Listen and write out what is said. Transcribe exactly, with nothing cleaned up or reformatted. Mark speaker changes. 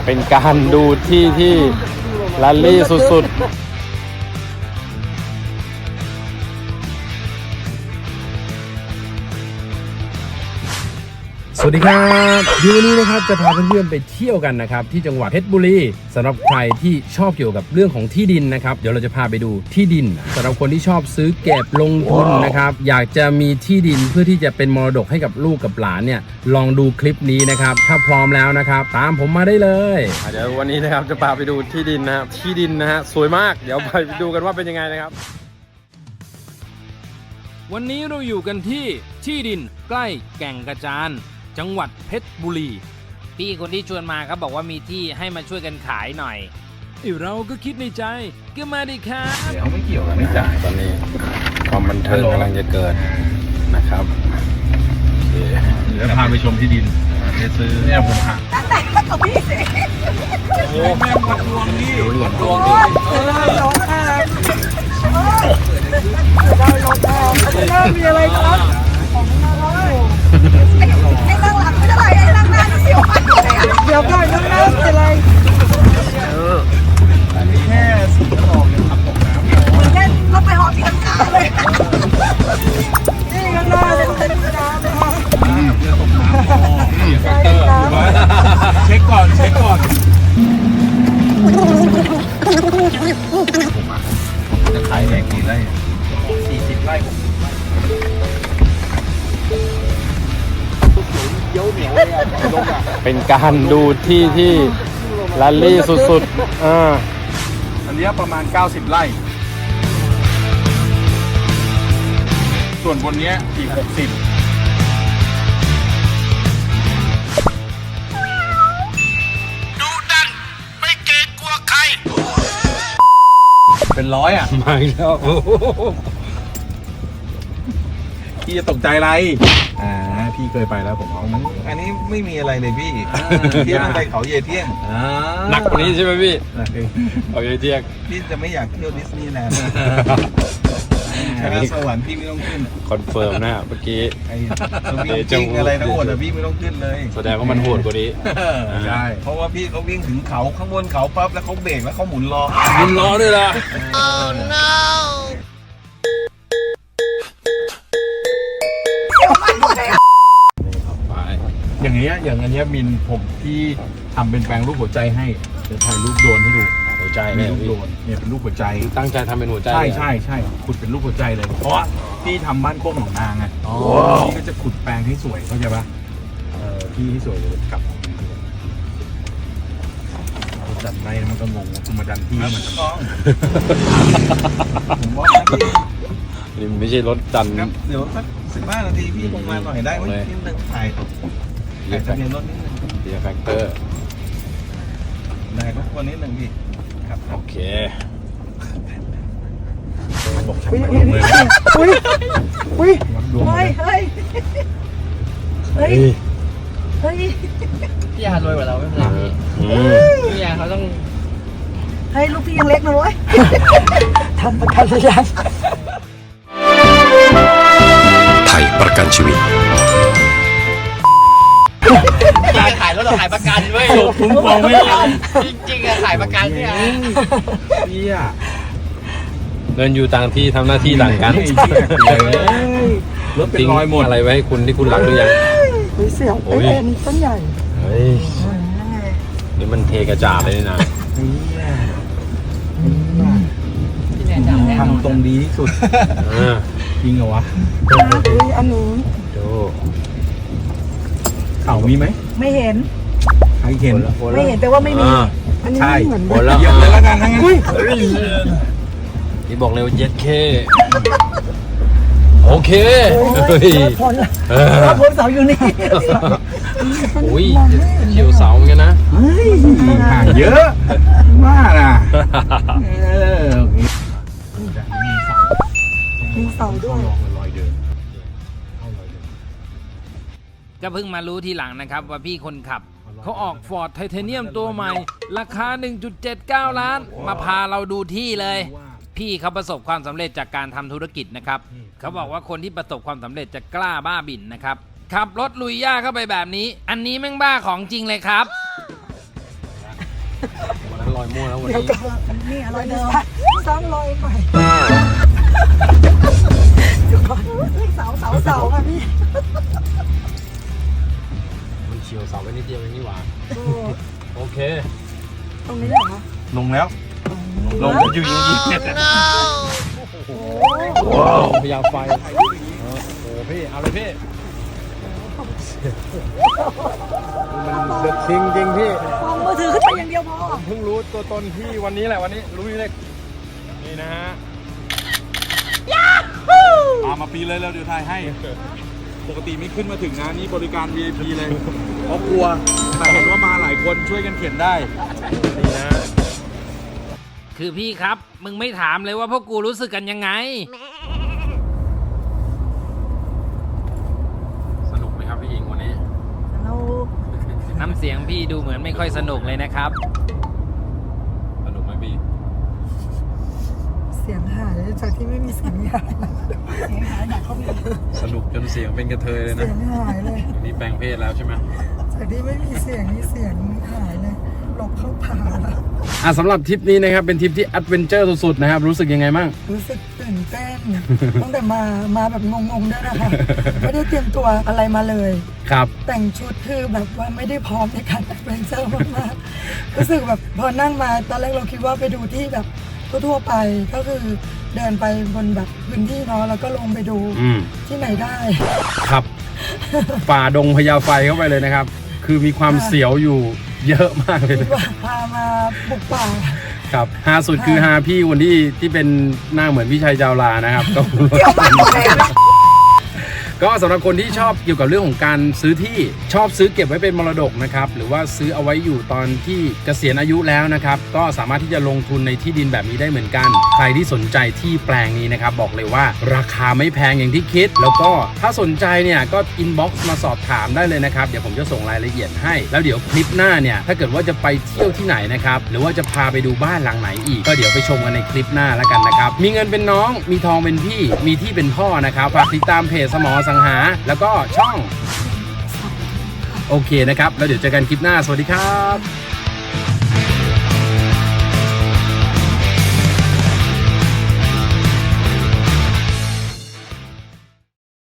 Speaker 1: เป็นการดูที่ที่ลัลลี่สุดๆสวัสดีครับดีวันนี้นะครับจะพาเพื่อนๆไปเที่ยวกันนะครับที่จังหวัดเพชรบุรีสำหรับใครที่ชอบเกี่ยวกับเรื่องของที่ดินนะครับเดี๋ยวเราจะพาไปดูที่ดินสำหรับคนที่ชอบซื้อเก็บลงทุนนะครับอยากจะมีที่ดินเพื่อที่จะเป็นมรดกให้กับลูกกับหลานเนี่ยลองดูคลิปนี้นะครับถ้าพร้อมแล้วนะครับตามผมมาได้เลยเดี๋ยววันนี้นะครับจะพาไปดูที่ดินนะครับที่ดินนะฮะสวยมากเดี๋ยวไปดูกันว่าเป็นยังไงนะครับวันนี้เราอยู่กันที่ที่ดินใกล้แก่งกระจานจังหวัดเพชรบุรีพี่คนที่ชวนมาครับบอกว่ามีที่ให้มาช่วยกันขายหน่อยเราก็คิดในใจก็มาดิครับเดี๋ยวไม่เกี่ยวกันไม่จ่ายตอนนี้ความบันเทิงกำลังจะเกิดนะครับเดี๋ยวพาไปชมที่ดินจะซื้อเนี่ยผมหาตั้งแต่ก็กับพี่สิโอ้แม่งมาทวงนี่เหรียญทวงนี่ได้รถแอบได้รถแอบไม่มีอะไรครับไอ้นั่งหลังไม่ได้ไอ้นั่งหน้าเสียวเดี๋ยวก่อนนั่งหน้าเป็นไรอันนี้แค่สีกระบอกยังขับตกน้ำเหมือนแค่รถไปหอที่ข้างๆเลยนี่ข้างหน้าเลยเป็นน้ำเลยเรือตกน้ำนี่แฟกเตอร์เช็คก่อนเช็คก่อนจะขายแหล่กี่ไร่สี่สิบไร่เป็นการดูที่ที่ลัลลี่สุดๆอ่าอันนี้ประมาณเก้าสิบไร่ส่วนบนนี้อีกหกสิบดูดันไม่เกรงกลัวใครเป็นร้อยอ่ะมาแล้วพี่จะตกใจอะไรอ่าพี่เคยไปแล้วผมเอามันอันนี้ไม่มีอะไรเลยพี่เที่ยวไปเขาเยเที่ยงหนักกว่านี้ใช่ไหมพี่เขาเยเที่ยงพี่จะไม่อยากเที่ยวดิสนีย์แลนด์คณะสวรรค์พี่ไม่ต้องขึ้นคอนเฟิร์มนะเมื่อกี้ไอ้วิ่งจริงอะไรทั้งหมดอะพี่ไม่ต้องขึ้นเลยแสดงว่ามันโหดกว่านี้ใช่เพราะว่าพี่เขาวิ่งถึงเขาข้างบนเขาปั๊บแล้วเขาเบรกแล้วเขาหมุนล้อหมุนล้อด้วยล่ะ oh noอย่างเงี้ยอย่างอันเนี้ยมินผมที่ทำเป็นแปลงรูปหัวใจให้เดี๋ยวถ่ายรูปโดรนให้ดูหัวใจเนี่ยรูปโดรนเนี่ยเป็นรูปหัวใจตั้งใจทำเป็นหัวใจใช่ใช่ใช่ขุดเป็นรูปหัวใจเลยเพราะว่าพี่ทำบ้านโคกหนองนางไงพี่ก็จะขุดแปลงให้สวยเข้าใจปะเออพี่ให้สวยเลยกลับจัดไรมันก็งงคุณมาดันพี่มันจะต้องผมว่านี่ไม่ใช่รถจันเดี๋ยวสักสิบห้านาทีพี่ลงมาหน่อยได้ไหมนิดนึงถ่ายถ่ายทะเบียนรถนิดนึงเบียร์แฟกเตอร์ได้ก็วันนี้หนึ่งพี่ครับโอเคบอกช่างมันเลยอุ้ยอุ้ยเฮ้ยเฮ้ยเฮ้ยเฮ้ยพี่ยารวยกว่าเราไม่เป็นไรพี่พี่ยาเขาต้องเฮ้ยลูกพี่ยังเล็กนะเว้ยทำประกันระยะ
Speaker 2: ไทยประกันชีวิต
Speaker 3: การขายรถเราขายประกันเว้ย
Speaker 1: คุ้มครองไม่ได้
Speaker 3: จริงๆอะขายประกันเนี่ย
Speaker 1: พี่อะเงินอยู่ต่างที่ทำหน้าที่ต่างกันรถเป็นรอยหมดอะไรไว้ให้คุณที่คุณรักหรือยัง
Speaker 4: เสียวเอ็นต้นใหญ่
Speaker 1: เฮ้ยนี่มันเทกระจาดเลยนะทำตรงดีที่สุดจริงเหรอวะ
Speaker 4: อันนู้น
Speaker 1: ดูเข่ามีไหม
Speaker 4: ไม่เห็น
Speaker 1: ใครเห็น
Speaker 4: ไม่เห็นแต่ว่าไม่มีอันนี้เหมือน
Speaker 1: กันแล้วเยอะเลยละกันทั้งนั้นนี่บอกเลยว่าเย็ดเคโอเค
Speaker 4: เฮ้ยพอละพอเสาอยู่นี่
Speaker 1: โอ้ยเขียวเสาเหมือนกันนะห่างเยอะมากอ่ะ
Speaker 4: มีเสาด้วย
Speaker 3: ก็เพิ่งมารู้ทีหลังนะครับว่าพี่คนขับเขาออกฟอร์ดไทเทเนียมตัวใหม่ราคา หนึ่งจุดเจ็ดเก้า ล้านมาพาเราดูที่เลยพี่เขาประสบความสำเร็จจากการทำธุรกิจนะครับเขาบอกว่าคนที่ประสบความสำเร็จจะกล้าบ้าบิ่นนะครับขับรถลุยหญ้าเข้าไปแบบนี้อันนี้แม่งบ้าของจริงเลยครับ
Speaker 1: วันนั้นลอยมั่วแล้ววัน
Speaker 4: เดี๋ยว
Speaker 1: นี้
Speaker 4: ก็นี่อะไรเดิมซ้ำรอยใหม่เดี๋ยวก่อนเสาเสาเสาค่ะพี่
Speaker 1: มันเฉียวเสาไปนิดเดียวเองนี่หว่า
Speaker 4: โอ้
Speaker 1: โอเค
Speaker 4: ตรงนี้เหรอ
Speaker 1: ลงแล้วลงอยู่อยู่ยิงเนี่ย
Speaker 4: โอ้
Speaker 1: ว้าวพยาไฟโอ้โหพี่เอาเลยพี่มันเด็ดจริงจริงพี่
Speaker 4: มองมือถือขึ้นไปอย่างเดียวพอ
Speaker 1: เพิ่งรู้ตัวตนพี่วันนี้แหละวันนี้รู้อยู่เลยนี่นะฮะตามมาปีเลยแล้วเดี๋ยวถ่ายให้ ปกติไม่ขึ้นมาถึงนะนี่บริการ วี ไอ พี เลยเพราะกลัวแต่เห็นว่ามาหลายคนช่วยกันเขียนได้นี่นะ
Speaker 3: คือพี่ครับ มึงไม่ถามเลยว่าพวกกูรู้สึกกันยังไง
Speaker 1: สนุกไหมครับพี่หญิงวันนี้
Speaker 4: เรา
Speaker 3: น้ำเสียงพี่ดูเหมือนไม่ค่อยสนุกเลยนะครับ
Speaker 1: สนุกไหมพี่
Speaker 4: เสียงหายจากที่ไม่มีเสียงหายเสียงหายหนักเขามี
Speaker 1: สนุกจนเสียงเป็นกระเทยเลย
Speaker 4: เสี
Speaker 1: นะ
Speaker 4: ยงหายเลย
Speaker 1: นี่แปลงเพศแล้วใช่ไหม
Speaker 4: จากที่ไม่มีเสียงนี่เสียงหายเลยหลบเข้าป่าแล้ว
Speaker 5: อ่ะสำหรับทริปนี้นะครับเป็นทริปที่แอดเวนเจอร์สุดๆนะครับรู้สึกยังไงบ้าง
Speaker 4: รู้สึกตื่นเต้น ตั้งแต่มามาแบบงงๆด้วยนะคะไม่ได้เตรียมตัวอะไรมาเลย
Speaker 5: ครับ
Speaker 4: แต่งชุดคือแบบว่าไม่ได้พร้อมในการแอดเวนเจอร์มากๆรู้สึกแบบพอนั่งมาตอนแรกเราคิดว่าไปดูที่แบบทั่วๆไปก็คือเดินไปบนแบบพื้นที่เนาะแล้วก็ลงไปดู
Speaker 5: อืม
Speaker 4: ที่ไหนได้
Speaker 5: ครับ ฝ่าดงพญาไฟเข้าไปเลยนะครับ คือมีความเสียวอยู่เยอะมากเลย
Speaker 4: คิดว่าพามาบุกป่า
Speaker 5: ครับฮาสุดคือฮาพี่คนที่ที่เป็นหน้าเหมือนพี่ชัยจาวลานะครับก็ ก็สำหรับคนที่ชอบเกี่ยวกับเรื่องของการซื้อที่ชอบซื้อเก็บไว้เป็นมรดกนะครับหรือว่าซื้อเอาไว้อยู่ตอนที่เกษียณอายุแล้วนะครับก็สามารถที่จะลงทุนในที่ดินแบบนี้ได้เหมือนกัน ใครที่สนใจที่แปลงนี้นะครับบอกเลยว่าราคาไม่แพงอย่างที่คิด แล้วก็ถ้าสนใจเนี่ยก็อินบ็อกซ์มาสอบถามได้เลยนะครับเดี๋ยวผมจะส่งรายละเอียดให้แล้วเดี๋ยวคลิปหน้าเนี่ยถ้าเกิดว่าจะไปเที่ยวที่ไหนนะครับหรือว่าจะพาไปดูบ้านหลังไหนอีกก็เดี๋ยวไปชมกันในคลิปหน้าแล้วกันนะครับมีเงินเป็นน้องมีทองเป็นพี่มีที่เป็นพ่อนะครับฝากติดตามเพจสมอสังหาแล้วก็ช่องโอเคนะครับแล้วเดี๋ยวเจอกันคลิปหน้าสวัสดีครับ